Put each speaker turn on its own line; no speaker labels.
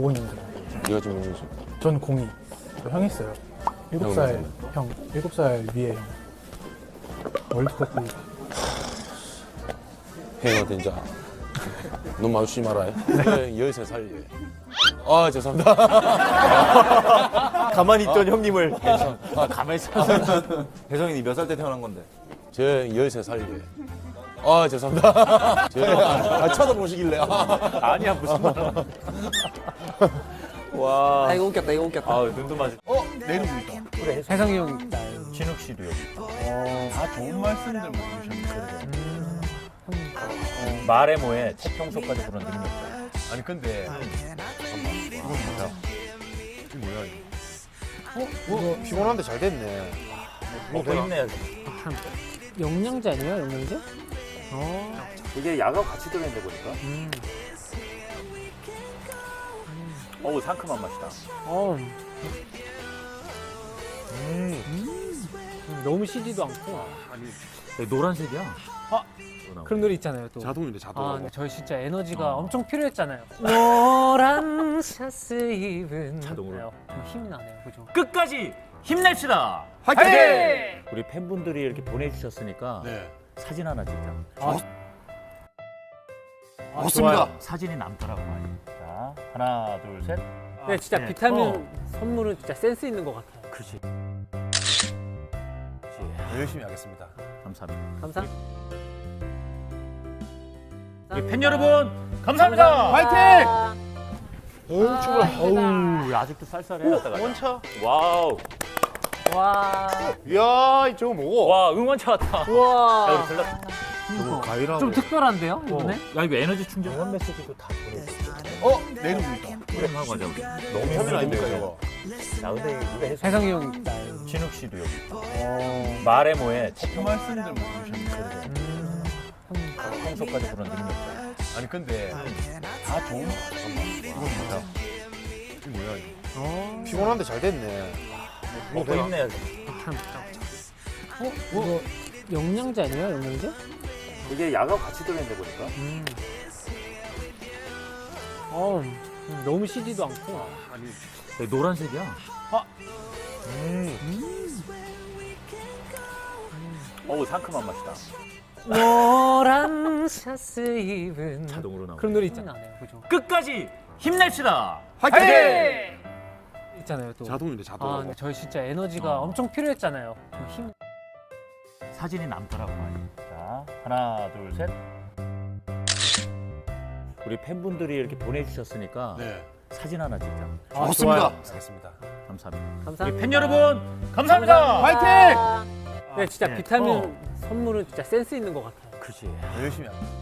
5년생.
네가 좀 있는 중.
전 02. 저 형 있어요. 7살 형. 7살 위에 형. 월드컵 때
행어 된자. 눈 마주치지 말아요. 네. 13살. 아, 죄송합니다.
가만히 있던 형님을
가만히 있어.
혜성이니 몇 살 때 태어난 건데?
저 13살. 아, 죄송합니다. 쳐다보시길래.
아니야 무슨 말. 와.
이거 웃겼다, 이거 웃겼다.
아 눈도 맞을.
내 이름도 있다.
그래
혜성이 형.
진욱 씨도 여기.
다 좋은 말씀들 해주셨는데.
말의 모에 태평소까지 부른 능력자.
아니 근데 이건 뭐야? 이게 뭐야 이거?
이거 피곤한데 잘 됐네.
먹고 있네.
영양제 아니에요, 영양제?
이게 약하고 같이 들어있는데 보니까. 어우 상큼한 맛이다.
너무 시지도 않고.
노란색이야.
그런 노래 있잖아요, 또.
자동인데 자동.
근데 저희 진짜 에너지가 엄청 필요했잖아요. 노란 샤스 입은.
자동으로.
좀 힘이 나네요, 그죠?
끝까지 힘냅시다.
화이팅!
우리 팬분들이 이렇게 보내주셨으니까
네.
사진 하나 찍자.
좋습니다.
좋아요. 사진이 남더라고 많이. 자 하나 둘 셋.
네, 진짜
네.
비타민 선물은 진짜 센스 있는 것 같아요.
그렇지.
열심히 하겠습니다.
감사합니다.
감사합니다.
우리 팬 여러분 감사합니다.
화이팅!
어우 아직도 쌀쌀해.
원차.
와우.
와.
이야 저거 뭐고?
와 응원차 왔다. 야
우와.
우리 들렀다.
저거 과일하고.
좀 특별한데요, 이번에?
야 이거 에너지 충전. 응원 메시지도 다 보내줬어.
내 이름도 있다.
프레임하고 하자 우리.
너무 편은 아닙니까, 저거?
야 근데 우리
혜성이 형.
진욱 씨도 여기. 말의 모에
좋은 말씀들 해주셨는데.
태평소까지 부른 능력자.
아니 근데 다 좋은. 이건 뭐야? 이게 뭐야 이거?
피곤한데 잘 됐네.
먹고 있네.
이거 영양제 아니에요, 영양제?
이게 약하고 같이 들어있는데 보니까.
너무 시지도 않고.
노란색이야. 어우 상큼한 맛이다.
노란 샤스 입은.
자동으로 나오네.
그런 노래 있잖아요, 그죠?
끝까지 힘냅시다.
화이팅! 있잖아요, 또.
자동인데 자동.
근데 저희 진짜 에너지가 엄청 필요했잖아요. 좀 힘.
사진이 남더라고 많이. 자 하나 둘 셋. 우리 팬분들이 이렇게 보내주셨으니까
네.
사진 하나 찍자.
좋습니다.
좋아요.
하겠습니다.
감사합니다.
감사합니다.
우리 팬 여러분 감사합니다.
화이팅! 네, 진짜
네.
비타민 선물은 진짜 센스 있는 것 같아요.
그렇지.
열심히 합니다.